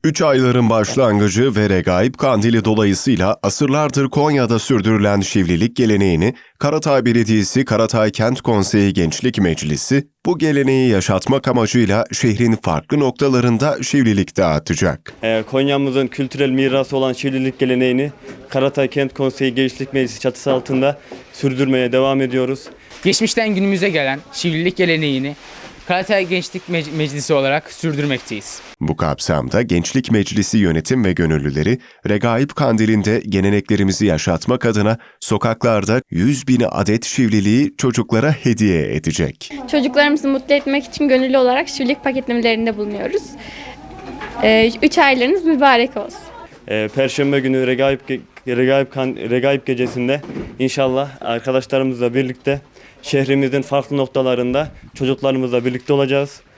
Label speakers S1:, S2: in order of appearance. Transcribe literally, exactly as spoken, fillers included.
S1: Üç ayların başlangıcı ve Regaib Kandili dolayısıyla asırlardır Konya'da sürdürülen şivlilik geleneğini Karatay Belediyesi Karatay Kent Konseyi Gençlik Meclisi bu geleneği yaşatmak amacıyla şehrin farklı noktalarında şivlilik dağıtacak.
S2: Ee, Konya'mızın kültürel mirası olan şivlilik geleneğini Karatay Kent Konseyi Gençlik Meclisi çatısı altında sürdürmeye devam ediyoruz.
S3: Geçmişten günümüze gelen şivlilik geleneğini Karatay Gençlik Mec- Meclisi olarak sürdürmekteyiz.
S1: Bu kapsamda Gençlik Meclisi yönetim ve gönüllüleri Regaib Kandili'nde geleneklerimizi yaşatmak adına sokaklarda yüz bin adet şivliliği çocuklara hediye edecek.
S4: Çocuklarımızı mutlu etmek için gönüllü olarak şivlilik paketlemelerinde bulunuyoruz. Ee, üç aylarınız mübarek olsun.
S2: Ee, Perşembe günü Regaib, Ge- Regaib, Kan- Regaib gecesinde inşallah arkadaşlarımızla birlikte şehrimizin farklı noktalarında çocuklarımızla birlikte olacağız.